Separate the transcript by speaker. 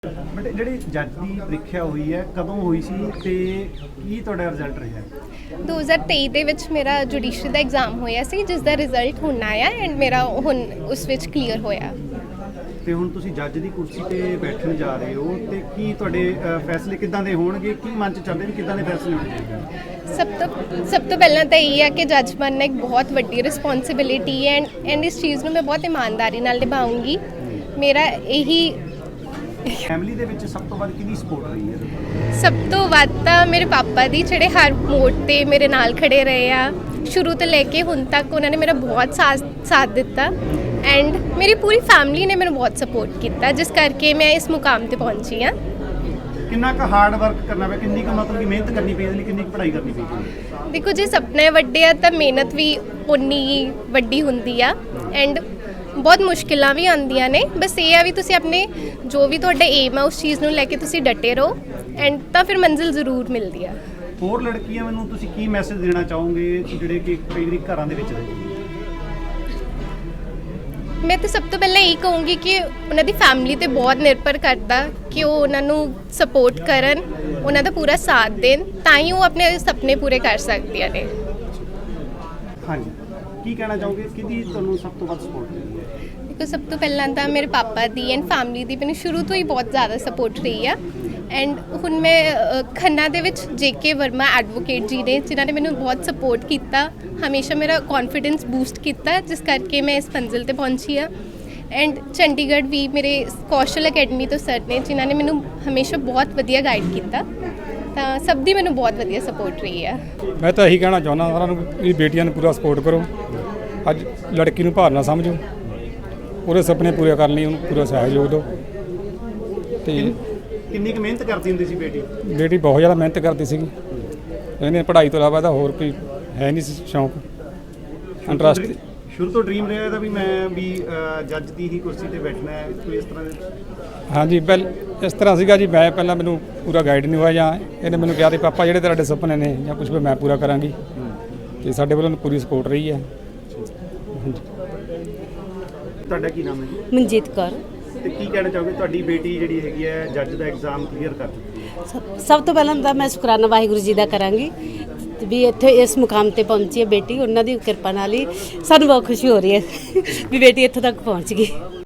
Speaker 1: But ਜਿਹੜੀ ਜੱਜ ਦੀ ਪ੍ਰੀਖਿਆ ਹੋਈ ਹੈ ਕਦੋਂ ਹੋਈ ਸੀ ਤੇ ਕੀ ਤੁਹਾਡਾ ਰਿਜ਼ਲਟ ਰਿਹਾ?
Speaker 2: 2023 ਦੇ ਵਿੱਚ ਮੇਰਾ ਜੁਡੀਸ਼ਰੀ ਦਾ ਐਗਜ਼ਾਮ ਹੋਇਆ ਸੀ, ਜਿਸ ਦਾ ਰਿਜ਼ਲਟ ਹੁਣ ਆਇਆ ਐਂਡ ਮੇਰਾ ਹੁਣ ਉਸ ਵਿੱਚ ਕਲੀਅਰ ਹੋਇਆ।
Speaker 1: ਤੇ ਹੁਣ ਤੁਸੀਂ ਜੱਜ ਦੀ ਕੁਰਸੀ ਤੇ ਬੈਠਣ ਜਾ ਰਹੇ ਹੋ ਤੇ ਕੀ ਤੁਹਾਡੇ ਫੈਸਲੇ ਕਿੱਦਾਂ ਦੇ ਹੋਣਗੇ? ਕੀ ਮਨ 'ਚ ਚੱਲਦੇ ਵੀ ਕਿੱਦਾਂ ਦੇ ਫੈਸਲੇ ਹੋਣਗੇ?
Speaker 2: ਸਭ ਤੋਂ ਪਹਿਲਾਂ ਤਾਂ ਇਹ ਹੈ ਕਿ ਜੱਜ ਬਣਨਾ ਇੱਕ ਬਹੁਤ ਵੱਡੀ ਰਿਸਪੌਂਸਿਬਿਲਿਟੀ ਹੈ ਐਂਡ ਇਸ ਚੀਜ਼ ਨੂੰ ਮੈਂ ਬਹੁਤ ਇਮਾਨਦਾਰੀ ਨਾਲ ਨਿਭਾਉਂਗੀ। ਮੇਰਾ ਇਹੀ
Speaker 1: ਫੈਮਿਲੀ ਦੇ ਵਿੱਚ ਸਭ ਤੋਂ ਵੱਧ ਕਿਹਦੀ ਸਪੋਰਟ ਰਹੀ ਹੈ?
Speaker 2: ਸਭ ਤੋਂ ਵੱਧ ਤਾਂ ਮੇਰੇ ਪਾਪਾ ਦੀ, ਜਿਹੜੇ ਹਰ ਮੋੜ ਤੇ ਮੇਰੇ ਨਾਲ ਖੜੇ ਰਹੇ ਆ ਸ਼ੁਰੂ ਤੋਂ ਲੈ ਕੇ ਹੁਣ ਤੱਕ। ਉਹਨਾਂ ਨੇ ਮੇਰਾ ਬਹੁਤ ਸਾਥ ਦਿੱਤਾ ਐਂਡ ਮੇਰੀ ਪੂਰੀ ਫੈਮਿਲੀ ਨੇ ਮੈਨੂੰ ਬਹੁਤ ਸਪੋਰਟ ਕੀਤਾ, ਜਿਸ ਕਰਕੇ ਮੈਂ ਇਸ ਮੁਕਾਮ ਤੇ ਪਹੁੰਚੀ ਹਾਂ।
Speaker 1: ਕਿੰਨਾ ਕੁ ਹਾਰਡ ਵਰਕ ਕਰਨਾ ਪਿਆ, ਕਿੰਨੀ ਕੁ ਮਤਲਬ ਕਿ ਮਿਹਨਤ ਕਰਨੀ ਪਈ, ਇਹਦੇ ਲਈ ਕਿੰਨੀ ਕੁ ਪੜ੍ਹਾਈ ਕਰਨੀ ਪਈ?
Speaker 2: ਦੇਖੋ, ਜੇ ਸੁਪਨੇ ਵੱਡੇ ਆ ਤਾਂ ਮਿਹਨਤ ਵੀ ਉਨੀ ਹੀ ਵੱਡੀ ਹੁੰਦੀ ਆ ਐਂਡ ਬਹੁਤ ਮੁਸ਼ਕਿਲਾਂ ਵੀ ਆਉਂਦੀਆਂ ਨੇ। ਬਸ ਇਹ ਆ ਵੀ ਤੁਸੀਂ ਆਪਣੇ ਜੋ ਵੀ ਤੁਹਾਡਾ ਏਮ ਆ ਉਸ ਚੀਜ਼ ਨੂੰ ਲੈ ਕੇ ਤੁਸੀਂ ਡਟੇ ਰਹੋ ਐਂਡ ਤਾਂ ਫਿਰ ਮੰਜ਼ਿਲ ਜ਼ਰੂਰ ਮਿਲਦੀ ਆ।
Speaker 1: ਹੋਰ ਲੜਕੀਆਂ ਮੈਨੂੰ ਤੁਸੀਂ ਕੀ ਮੈਸੇਜ ਦੇਣਾ ਚਾਹੋਗੇ ਜਿਹੜੇ ਕਿ ਕਈ ਵਾਰੀ ਘਰਾਂ ਦੇ ਵਿੱਚ ਰਹਿੰਦੇ?
Speaker 2: ਮੈਂ ਤਾਂ ਸਭ ਤੋਂ ਪਹਿਲਾਂ ਇਹ ਕਹੂੰਗੀ ਕਿ ਉਹਨਾਂ ਦੀ ਫੈਮਿਲੀ ਤੇ ਬਹੁਤ ਨਿਰਭਰ ਕਰਦਾ ਕਿ ਉਹ ਉਹਨਾਂ ਨੂੰ ਸਪੋਰਟ ਕਰਨ, ਉਹਨਾਂ ਦਾ ਪੂਰਾ ਸਾਥ ਦੇਣ, ਤਾਂ ਹੀ ਉਹ ਆਪਣੇ ਸੁਪਨੇ ਪੂਰੇ ਕਰ ਸਕਦੀਆਂ ਨੇ।
Speaker 1: ਹਾਂਜੀ, ਕੀ ਕਹਿਣਾ ਚਾਹੋਗੇ? ਕਿਹਦੀ ਤੁਹਾਨੂੰ ਸਭ ਤੋਂ ਵੱਧ ਸਪੋਰਟ ਮਿਲੀ ਹੈ?
Speaker 2: ਦੇਖੋ, ਸਭ ਤੋਂ ਪਹਿਲਾਂ ਤਾਂ ਮੇਰੇ ਪਾਪਾ ਦੀ ਐਂਡ ਫੈਮਿਲੀ ਦੀ ਮੈਨੂੰ ਸ਼ੁਰੂ ਤੋਂ ਹੀ ਬਹੁਤ ਜ਼ਿਆਦਾ ਸਪੋਰਟ ਰਹੀ ਆ ਐਂਡ ਹੁਣ ਮੈਂ ਖੰਨਾ ਦੇ ਵਿੱਚ JK ਵਰਮਾ ਐਡਵੋਕੇਟ ਜੀ ਨੇ, ਜਿਨ੍ਹਾਂ ਨੇ ਮੈਨੂੰ ਬਹੁਤ ਸਪੋਰਟ ਕੀਤਾ, ਹਮੇਸ਼ਾ ਮੇਰਾ ਕੌਨਫੀਡੈਂਸ ਬੂਸਟ ਕੀਤਾ, ਜਿਸ ਕਰਕੇ ਮੈਂ ਇਸ ਮੰਜ਼ਿਲ ਤੇ ਪਹੁੰਚੀ ਆ। ਐਂਡ ਚੰਡੀਗੜ੍ਹ ਵੀ ਮੇਰੇ ਕੌਸ਼ਲ ਅਕੈਡਮੀ ਤੋਂ ਸਰ ਨੇ, ਜਿਨ੍ਹਾਂ ਨੇ ਮੈਨੂੰ ਹਮੇਸ਼ਾ ਬਹੁਤ ਵਧੀਆ ਗਾਈਡ ਕੀਤਾ, ਤਾਂ ਸਭ ਦੀ ਮੈਨੂੰ ਬਹੁਤ ਵਧੀਆ ਸਪੋਰਟ ਰਹੀ ਆ।
Speaker 3: ਮੈਂ ਤਾਂ ਇਹੀ ਕਹਿਣਾ ਚਾਹੁੰਦਾ ਸਾਰਿਆਂ ਨੂੰ ਵੀ ਬੇਟੀਆਂ ਨੂੰ ਪੂਰਾ ਸਪੋਰਟ ਕਰੋ। ਅੱਜ ਲੜਕੀ ਨੂੰ ਭਾਰ ਨਾ ਸਮਝੋ, ਉਹਦੇ ਸੁਪਨੇ ਪੂਰੇ ਕਰਨ ਲਈ ਉਹਨੂੰ ਪੂਰਾ ਸਹਿਯੋਗ ਦਿਓ। ਤੇ
Speaker 1: ਕਿੰਨੀ ਕੁ ਮਿਹਨਤ ਕਰਦੀ ਹੁੰਦੀ ਸੀ ਬੇਟੀ?
Speaker 3: ਬੇਟੀ ਬਹੁਤ ਜ਼ਿਆਦਾ ਮਿਹਨਤ ਕਰਦੀ ਸੀਗੀ। ਇਹਨੇ ਪੜ੍ਹਾਈ ਤੋਂ ਇਲਾਵਾ ਤਾਂ ਹੋਰ ਕੋਈ ਹੈ ਨਹੀਂ ਸੀ ਸ਼ੌਂਕ, ਇੰਟਰਸਟ।
Speaker 1: ਸ਼ੁਰੂ ਤੋਂ ਡ੍ਰੀਮ ਰਿਹਾ ਇਹਦਾ ਵੀ ਮੈਂ ਵੀ ਜੱਜ ਦੀ ਹੀ ਕੁਰਸੀ ਤੇ ਬੈਠਣਾ ਹੈ, ਕੋਈ ਇਸ ਤਰ੍ਹਾਂ ਦੇ?
Speaker 3: ਹਾਂਜੀ, ਇਸ ਤਰ੍ਹਾਂ ਸੀਗਾ ਜੀ। ਮੈਂ ਪਹਿਲਾਂ ਮੈਨੂੰ ਪੂਰਾ ਗਾਈਡ ਨਹੀਂ ਹੋਇਆ, ਜਾਂ ਇਹਨੇ ਮੈਨੂੰ ਕਿਹਾ ਕਿ ਪਾਪਾ ਜਿਹੜੇ ਤੁਹਾਡੇ ਸੁਪਨੇ ਨੇ ਜਾਂ ਕੁਝ ਵੀ ਮੈਂ ਪੂਰਾ ਕਰਾਂਗੀ, ਤੇ ਸਾਡੇ ਵੱਲੋਂ ਪੂਰੀ ਸਪੋਰਟ ਰਹੀ ਹੈ। ਹਾਂਜੀ।
Speaker 1: ਤੁਹਾਡਾ ਕੀ ਨਾਮ ਹੈ ਜੀ?
Speaker 4: ਮਨਜੀਤ ਕੌਰ।
Speaker 1: ਤੇ ਕੀ ਕਹਿਣਾ ਚਾਹੋਗੇ? ਤੁਹਾਡੀ ਬੇਟੀ ਜਿਹੜੀ ਹੈਗੀ ਹੈ ਜੱਜ ਦਾ ਐਗਜ਼ਾਮ ਕਲੀਅਰ ਕਰ ਚੁੱਕੀ ਹੈ।
Speaker 4: ਸਭ ਤੋਂ ਪਹਿਲਾਂ ਤਾਂ ਮੈਂ ਸ਼ੁਕਰਾਨਾ ਵਾਹਿਗੁਰੂ ਜੀ ਦਾ ਕਰਾਂਗੀ ਵੀ ਇੱਥੇ ਇਸ ਮੁਕਾਮ ਤੇ ਪਹੁੰਚੀ ਹੈ ਬੇਟੀ। ਉਹਨਾਂ ਦੀ ਕਿਰਪਾ ਨਾਲ ਹੀ ਸਾਨੂੰ ਬਹੁਤ ਖੁਸ਼ੀ ਹੋ ਰਹੀ ਹੈ ਵੀ ਬੇਟੀ ਇੱਥੋਂ ਤੱਕ ਪਹੁੰਚ ਗਈ।